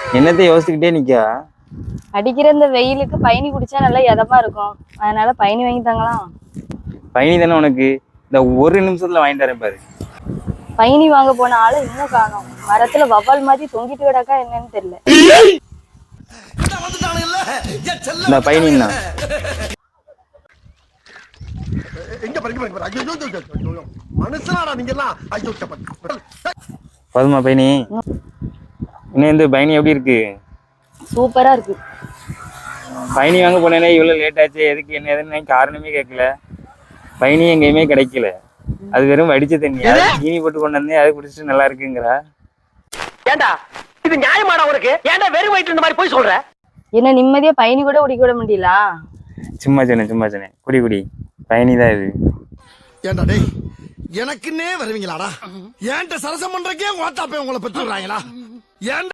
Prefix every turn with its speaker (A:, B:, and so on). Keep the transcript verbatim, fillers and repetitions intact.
A: என்னத்தை யோசிச்சுக்கிட்டே நிக்கா?
B: அடிக்கிற இந்த வெயிலுக்கு பயணி குடிச்சா நல்லா எதமா இருக்கும். அதனால பயணி வாங்கி தாங்களாம்.
A: பயணி தானே உனக்கு. இந்த ஒரு நிமிஷத்துல வாங்கிட்டு வரேன் பாரு.
B: பயணி வாங்க போன ஆளு இன்னும் காணோம். மரத்துல வவ்வால் மாதிரி தொங்கிட்டு கிடக்கா என்னன்னு தெரியல.
A: இந்த பயணின்னா போதுமா பயணி? இன்னும் இந்த பயணி எப்படி இருக்கு?
B: சூப்பரா இருக்கு.
A: பயணி வாங்க போனேனே இவ்வளவு லேட் ஆச்சு, எதுக்கு என்ன ஏதுன்னு காரணமே கேட்கல. பயணி எங்கேயுமே கிடைக்கல. அது வெறும் வடிச்ச தண்ணி, அது சீனி போட்டு கொண்டு வந்தேன், அதை குடிச்சிட்டு நல்லா இருக்குங்கிறா.
C: ஏண்டா இது நியாயமாடா உனக்கு? ஏண்டா வெறும் வயிற்று இந்த மாதிரி போய் சொல்ற?
B: என்ன நிம்மதியா பயணி கூட குடிக்க விட முடியல?
A: சும்மா சொன்னேன் சும்மா சொன்னேன் குடி குடி. பயணி தான் இது.
D: ஏண்டா டேய், எனக்குன்னே வருவீங்களாடா? ஏன்ட்ட சரசம் பண்றக்கே ஓட்டாப்பே உங்களை பெற்றுறாங்களா? ஏன்